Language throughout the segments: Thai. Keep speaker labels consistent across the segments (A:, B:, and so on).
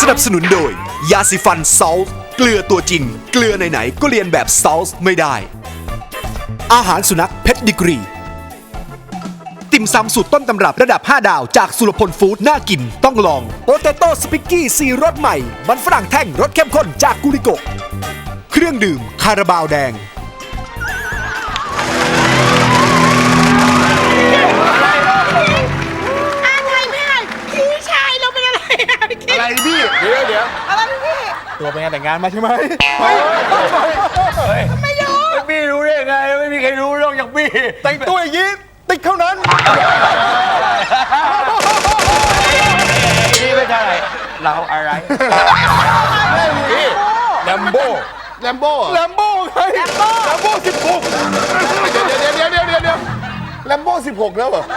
A: นับสนุนโดยยาสีฟันซอลเกลือตัวจริงเกลือไหนๆก็เรียนแบบซอลไม่ได้อาหารสุนัขเพชรดิกรีติ่มซำสูตรต้นตำรับระดับ 5 ดาวจากสุรพลฟู้ดน่ากินต้องลองโปเตโต้สปิกกี้ซีรสใหม่มันฝรั่งแท่งรสเข้มข้นจากกุริโกะเครื่องดื่มคาราบาวแดง
B: อะไรพี่เดี๋ยว
C: อะไรพี่
B: ตัวเป็นงานแต่งงานมาใช่ไหม
C: ไม่รู้
B: พี่รู้ได้ยังไงไม่มีใครรู้นอกจากพี่แต่งตัวอย่างนี้ติ๊กเท่านั้นนี่ไม่ใช่เราอะไรพี่แลมโบ้ไงแลมโบ้16เดี๋ยวแลมโบ้16แล้วเหรอ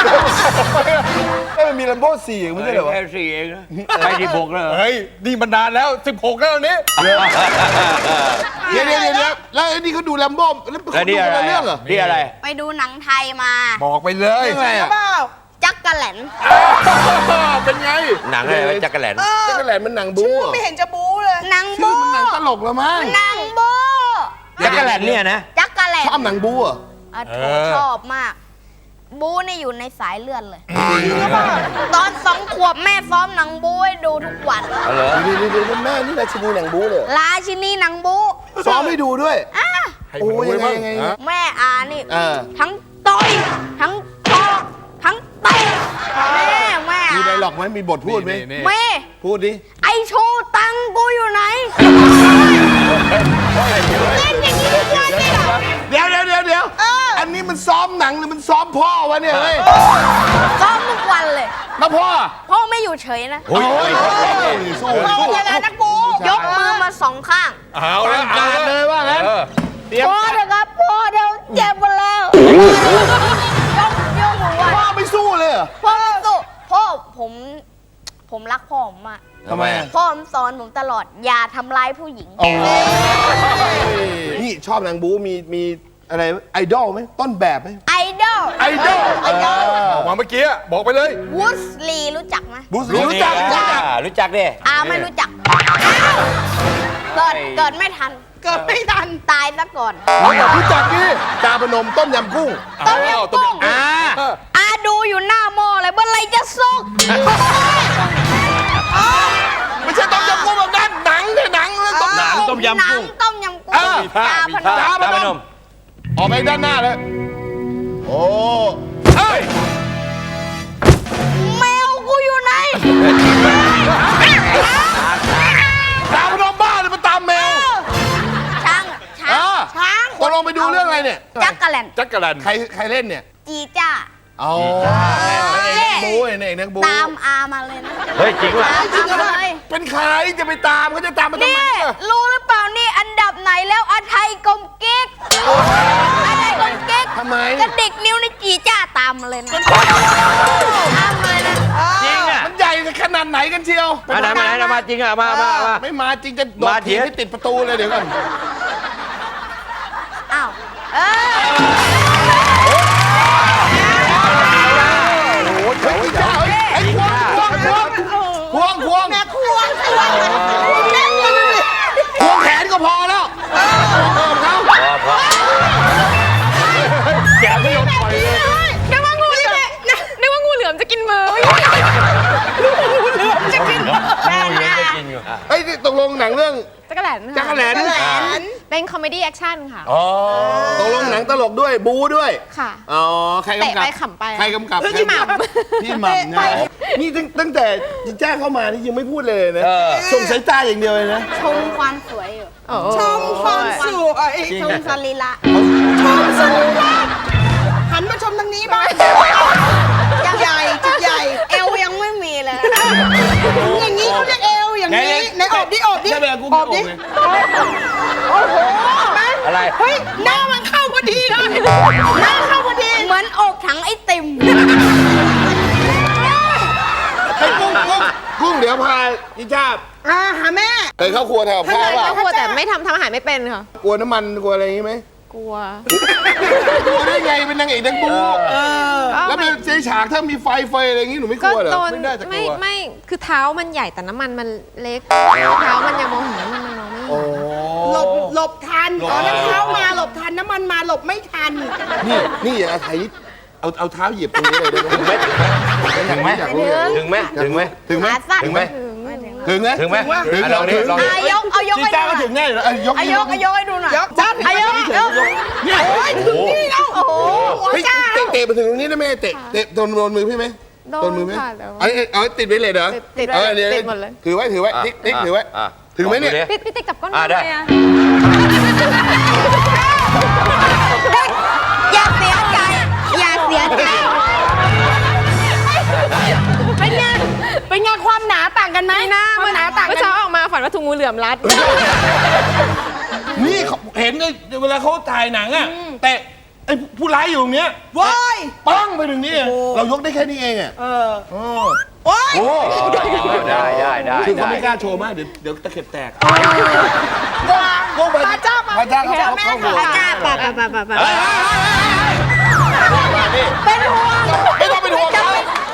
B: มันมีแลมโบ้4เองไม่ใช่เหรอ
D: แค่4เองนะไม่16แล้ว
B: เฮ้ยนี่มันนานแล้ว16แล้วนี้เดี๋ยวแล้วนี่เขาดูแลมโบ้แล้วเขาดูเรื่องเหรอ
D: นี่อะไร
E: ไปดูหนังไทยมา
B: บอกไปเลยไง
E: จักกะแหลน
B: เป็นไง
D: หนังอะไรจักรแหลน
B: จักรแหลนมันหนังบู๊
C: ไม่เห็นจะบู๊เลย
E: หนัง
B: ชื่
E: บู
B: อมันหนังตลกแล้วมั้ง
E: หนังบู
D: จักรแหลนเนี่ยนะ
E: จักกะแหลน
B: ชอบหนังบู๊อ่ะ
E: ชอบมาก บูนี่อยู่ในสายเลือดเลย ตอน2 ขวบแม่ซ้อมหนังบูให้ดูทุกวัน
D: เหรอ
B: เดี๋ยวแม่นี่ราชินีหนังบู๊เลย
E: ราชินีหนังบู
B: ซ้อมให้ดูด้วยโอ้ยยังไง
E: แม่อานี่
B: า
E: ทั้งต่อยทั้งตอกทั้งเตะแม่
B: มี
E: อา
B: ไดร็อกไหมมีบทพูดไหม
E: แม่
B: พูดดิ
E: ไอโชว์ตังกูอยู่ไหนเล่นอย่างนี้ทุกวันเลยเหรอ
B: เดี๋ยวอันนี้มันซ้อมหนังหรือมันซ้อมพ่อวะเนี่ยเฮ้ย
E: ซ้อมทุกวันเลย
B: แล้วพ่อ
E: พ่อไม่อยู่เฉยนะ
B: โอ้ยสู้
C: ยังไงนักบู๊
E: ยกมือมา2 ข้าง
B: เอาเลยว่างั้น
E: พ่อเถอะครับพ่อเดี๋ยวเจ็บหมดแล้วยกมือไหว้
B: พ่อไม่สู้เลยเหรอ
E: พ่อสู้พ่อผมรักพ่อผมมาก
B: ทำไม
E: พ่อผมสอนผมตลอดอย่าทำร้ายผู้หญิง
B: นี่ชอบหนังบู๊มีอะไรไอดอลไหมต้นแบบไหม
E: ไอดอล
B: ไอดอลบอกมาเมื่อกี้บอกไปเลย
E: วูดสลีรู้จักไหม
B: รู้จัก
D: รู้จักดิ
E: ไม่รู้จักเกิดไม่ทัน
C: เกิดไม่ทัน
E: ตายซะก่อน
B: รู้จักดิจาพนมต้มยำกุ้ง
E: ต้มยำกุ้งดูอยู่หน้าหม้อเลยเมื่อไรจะสุก
B: ไม่ใช่ต้มยำกุ้งแบบนั้นหนังเนี่ยหนังเลยต้ม
D: หนังต้มยำกุ้ง
E: ต้มยำกุ้ง
D: มีผ้าพนม
B: ออกไปด้านหน้าเลยโอ้เฮ้ย
E: แมวกูอยู่ไหน
B: จาพนมบ้าเลยมันตามแมว
E: ช้าง
B: ตกลงไปดูเรื่องอะไรเนี่ย
E: จักกะแลน
B: จักรแลนใครเล่นเนี่ย
E: จีจ้า
B: อ๋อบู๊เอกนักบู๊
E: ตามอามาเลยนะ
D: เฮ้ยจริงว่ะ
E: ตามอามาเลย
B: เป็นใครจะไปตามเขาจะตามมาทำ
E: นี่
B: ไม
E: รู้หรือเปล่านี่อันดับไหนแล้วอาไทยกลมกิ๊กอาไทยกลมกิ๊ก
B: ทำไม
E: กระดิกนิ้วในจีจ้าตามมาเลยนะตามมาเลยนะ
D: จริงอ่ะ
B: มันใหญ่ขนาดไหนกันเชียว
D: มาไหนมาจริงอ่ะมา
B: ไม่มาจริงจะโดด
D: มาเถี
B: ถี
D: ย
B: บ
D: ง
B: ให้ติดประตูเลยเดี๋ยวก่อน
E: อ้าว
B: ไอ้ควง
C: แม่ควง
B: ควงแขนก็พอแล้วเขา
D: แกไม่ยอมปล่อยเลย
C: นึกว่างูเหลือมจะกินมืองูเหลือมจะกิน
E: แม่นะ
B: ไอ้ตกลงหนังเรื่อง
F: จักรแหลน
B: จักรแหลน
F: เป็นคอมเมดี้แอคชั่นค่ะ
B: ตกลงหนังตลกด้วยบู๊ด้วย
F: ค่ะ
B: อ๋อใครกำกับ
F: เตะไปขำไป
B: ใครกำกับ
F: พี่หม่ำ
B: พี่หม่ำนะนี่ตั้งแต่แจ้งเข้ามานี่ยังไม่พูดเลยนะส่งสายตาอย่างเดียวเลยนะ
E: ชมความสวยอยู่
C: ชมความสวย
E: ชมสรีระ
C: หันมาชมทางนี้บ้างใหญ่จุดใหญ่
E: เอวยังไม่มีเลย
C: อย่างนี้เขาเรียกเอวอย่างนี้ในอบดิอบดิ
B: ใช่ไหมกู
C: อบดิ โอ้โห
D: อะไร
C: เฮ้ยหน้ามันเข้าพอดีเลยหน้าเข้าพอดี
E: เหมือนอกถังไอติม
B: ไอ้กุ้งเดี๋ยวพาอีจ้าบ
C: หาแม่
B: เคยเข้าครัวแถวข้าวเปล่า
F: ครัวแต่ไม่ทำอาหารไม่เป็นค่ะ
B: กลัวน้ำมันกลัวอะไรอย่างงี้ไหม
F: กลัว
B: กลัวได้ไงเป็นนางเอกนางบูแล้วเป็นเจ๊ฉากถ้ามีไฟอะไรอย่างงี้หนูไม่ก
F: ก็
B: ลัวเหรอ
F: โดน
B: ไม่ได้จะกลัว
F: ไม่คือเท้ามันใหญ่แต่น้ำมันมันเล็ก เท้ามันยังมองเห็นน้ำมันมันมองไม่เห็น
G: หลบทันอ๋อน้ำเท้ามาหลบทันน้ำมันมาหลบไม่ทัน
B: นี่อย่าไทยเอาเท้าเหยียบตรงนี้เลยได้ไหม
D: ถึงไหม
B: อยากรู้อยากรู้
D: ถึงไหมถึงไหม
B: ถึงไหม
E: ขาสั้น
D: ถึงไหม
B: ถึงไหม
D: ถึงไหม
B: ถึง
D: ลองดิลองดิ
E: เอายก
B: จี
E: ให้
B: จ้า
E: ดู
B: ก็
E: หน่
B: ถึ
E: อย
B: งแน่อยู่แล้วยก
E: เอายกให้ดูหน่อย
G: ยกจัด
E: เอายก
B: เนี่ย
G: โอ้ยถึงนี่แล้ว
E: โอ้โห
B: เฮ้ยเตะไปถึงตรงนี้ได้ไหมเตะโดนมือพี่ไหม
F: โดน
B: มือไหม
F: ค่ะแต่ว่า
B: เอาติดไว้เลยเหรอ
F: ติด
B: ดี๋ยว
F: ติดหมดเลย
B: ถือไว้ติ๊กถือไว้ถึงไหมเนี่ย
F: พี่ติ๊กจับก้น
D: ได้
F: ทำไมอะ
E: อย่าเสียใจอย่าเสียใจ
G: เป็นไงเป็นไงความหนาต่างกันไหม
F: หน้า
G: ควา
F: มั
G: ม
F: น
G: หนาต่าง
F: เมื่อ
G: กัน
F: เช้าออกมาฝันว่าถูกงูเหลือมรัด
B: นี่เห็นเวลาเขาถ่ายหนังอะแต่ไอ้ผู้ร้ายอยู่ตรงเนี้ย
G: โว้ย
B: ปังไปถึงนี่เรายกได้แค่นี้เองอะ
G: โอ้ย
B: โอ้
D: ได้
B: คือเขาไม่กล้าโชว์มากเดี๋ยวตะเข็บแตก
G: โก้พระเจ้ามา
B: พระเจ้า
G: แม่ค่ะ
E: พระเจ้าป่ะ
G: เป็นห่วง
B: ไม่ต้องเป็นห่วงเขา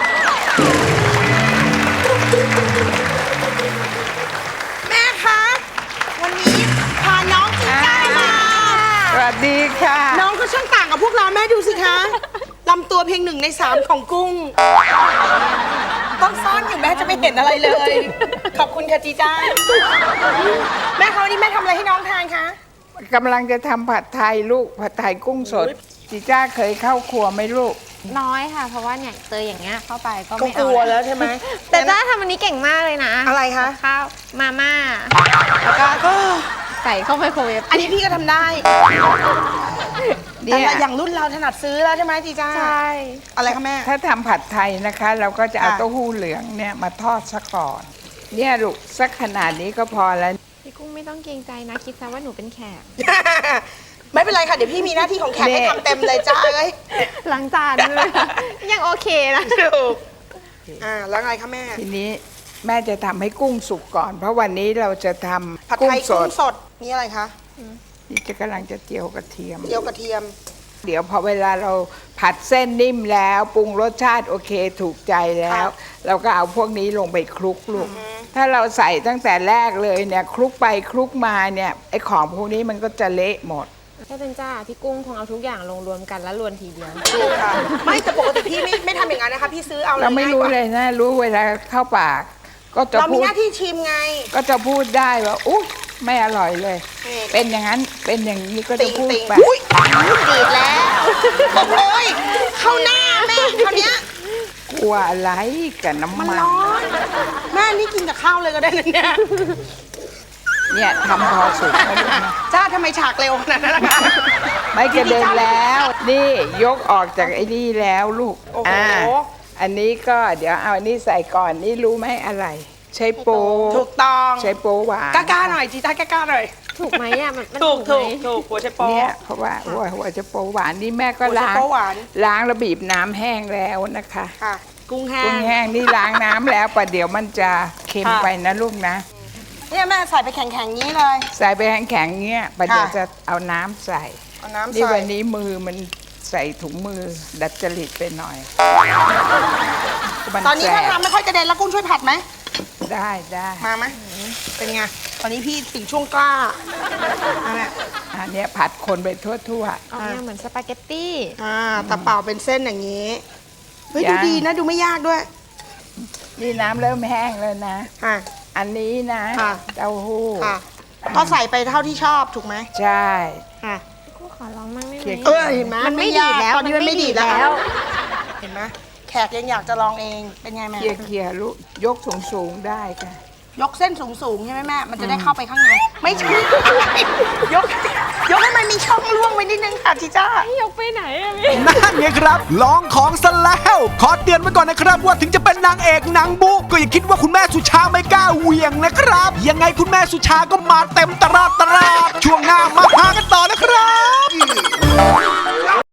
G: แม่คะ วันนี้พาน้องจีจ้ามา
H: สวัสดีค่ะ
G: น้องก็ช่างต่างกับพวกเราแม่ดูสิคะลำตัวเพียง1 ใน 3ของกุ้ง ต้องซ่อนอยู่แม่จะไม่เห็นอะไรเลย ขอบคุณค่ะจีจ้า แม่คะวันนี้แม่ทำอะไรให้น้องทานคะ
H: กำลังจะทำผัดไทยลูก ผัดไทยกุ้งสดจีจ้าเคยเข้าครัวไหมลูก
F: น้อยค่ะ เพราะว่าเนี่ยเจออย่างเงี้ยเข้าไปก็
G: ก็
F: ไม่
G: ก
F: เอา
G: ลัวแล้วใช่ไหม
F: แต่จ้าทำอันนี้เก่งมากเลยนะ
G: อะไรคะ
F: ข้าวมาม่าแล้วก็ใส่เข้าไมโครเวฟ
G: อันนี้พี่ก็ทำได้
H: เนี่
G: แต่
H: ย
G: ละอย่างรุ่นเราถนัดซื้อแล้วใช่ไหมจีจ้า
F: ใช่
G: อะไรคะแม่
H: ถ้าทำผัดไทยนะคะ เราก็จะเอา
G: ค่ะ
H: เต้าหู้เหลืองเนี่ยมาทอดซะก่อน เนี่ยลูกสักขนาดนี้ก็พอแล้ว
F: พี่กุ้งไม่ต้องเกรงใจนะคิดซะว่าหนูเป็นแขก
G: ไม่เป็นไรค่ะ เดี๋ยวพี่มีหน้าที่ของแขกให้ทำเต็มเลยจ้าเอ้ย
F: ล้างจานด้วย ยังโอเคนะ
G: ถูกแล้วไงคะแม่
H: ทีนี้แม่จะทำให้กุ้งสุกก่อน เพราะวันนี้เราจะทำ
G: ผัด
H: กุ้
G: ไท
H: ง
G: ย
H: ส
G: กุ้
H: ด
G: งสด นี่อะไรคะ
H: นี่จะกำลังจะเจียวกระเทียม
G: เจียวกระเทียม
H: เดี๋ยวพอเวลาเราผัดเส้นนิ่มแล้วปรุงรสชาติโอเคถูกใจแล้ว เราก็เอาพวกนี้ลงไปคลุกลูกถ้าเราใส่ตั้งแต่แรกเลยเนี่ยคลุกไปคลุกมาเนี่ยไอ้ของพวกนี้มันก็จะเละหมด
F: ถ้าเป็นจ้าพี่กุ้งคงเอาทุกอย่างลงรวมกันแล้วรวนทีเดียว
G: ถูกค่ะ ไม่แต่ปกติพี่ไม่ทำอย่างนั้นนะคะ พี่ซื้อเอาเลย
H: เราไม่รู้เลยนะรู้เวลาเข้าปาก ก็จะ
G: เรามี
H: พูด
G: หน้าที่ชิมไง
H: ก็จะพูดได้ว่าอุ๊ยไม่อร่อยเลย
G: นี่
H: เป็นอย่างนั้นเป็นอย่างนี้ก็จะพูดไป
G: อุ้ยดีดแล้วโอ้ยเข้าหน้าแม่คราวเนี้ย
H: กลัวอะไรกับน้ำ
G: มัน
H: มัน
G: ร้อนแม่นี่กินกับข้าวเลยก็ได้เลยเนี่ย
H: เนี่ยทำพอสุกแล้วลูกนะ
G: จ้าทำไมฉากเร็วขนาดนั้นนะคะ
H: ไม่กระเด็นแล้ว นี่ยกออกจากไอ้นี่แล้วลูก
G: โอ้โห
H: อันนี้ก็เดี๋ยวเอาอันนี้ใส่ก่อนนี่รู้ไหมอะไร ใช้โป๊
G: ถูกต้อง
H: ใช้โป๊หวาน
G: กล้าๆหน่อยจีจ้ากล้าๆหน่อย
F: ถูกไหมอ่ะมัน
G: ถูก
F: ถูกไหม
G: ถูกหัวใช้โป๊ะ
H: เนี่ยเพราะว่าหัวจะโป๊หวานนี่แม่ก็
G: หัวจะ
H: ล้าง
G: โป๊หวาน
H: ล้างแล้วบีบน้ำแห้งแล้วนะคะ
G: ค่ะ กุ้งแห้
H: กุ้ง
G: ง
H: แห้งนี่ล้างน้ำแล้วประเดี๋ยวมันจะเค็ม
G: ค่ะ
H: ไปนะลูกนะ
G: เนี่ยแม่ใส่ไปแข็งๆนี้เลย
H: ใส่ไปแข็งๆเงี้ยประเดี๋ยว
G: ค่ะ
H: จะเอาน้ำใส่
G: เอาน้ำ
H: นี่
G: ใส่
H: วันนี้มือมันใส่ถุงมือดัดจริตไปหน่อยมั
G: ตอนนี้
H: แส
G: ถ้า
H: บ
G: ทำไม่ค่อยกระเด็นแล้วกุ้งช่วยผัดไหม
H: ได้ได้
G: มาไหมเป็นไง ตอนนี้พี่ถึงช่วงกล้านั่นแหละ
H: อันเนี้ยผัดคนไปทั่ว
F: ออกแนวเหมือนสปาเกตตี้
G: ตะเป่าเป็นเส้นอย่างนี้ เฮ้ย
H: ยั
G: ดู
H: ง
G: ดีนะ ดูไม่ยากด้วย
H: ๆนี่น้ำเริ่มแห้งแล้วนะ
G: ค่ะ
H: อันนี้นะ
G: ค่ะ
H: เต้าหู้
G: ค่ะ ก็ใส่ไปเท่าที่ชอบถูกไหม
H: ใช่
G: ค่ะ
F: กูขอลองมั่งได้ไห
H: เคี่
F: ม
H: ยว
G: เห็นไหม
F: มันไม่
G: ยาก
F: ดีดแล้ว
G: ตอนนี้มันไม่ดีดแล้
F: มันไม่ดีดแล้ว ว
G: เห็นไหมแขกยังอยากจะลองเอง เป็นไงแม่
H: เคลียร์ลูกยกสูงๆได้ค่ะ
G: ยกเส้นสูงๆใช่ไหมแม่ มันจะได้เข้าไปข้างใน ไม่ใช่ ยกให้มันมีช่องร่วงไว้นิดนึงค่ะจีจ้า
F: ยกไปไหนอะพี่
A: นั่นไงครับ ลองของซะแล้ว ขอเตือนไว้ก่อนนะครับว่าถึงจะเป็นนางเอกนางบุก็อย่าคิดว่าคุณแม่สุชาไม่กล้าเหวี่ยงนะครับ ยังไงคุณแม่สุชาก็มาเต็มตลาดช่วงหน้ามาหากันต่อนะครับ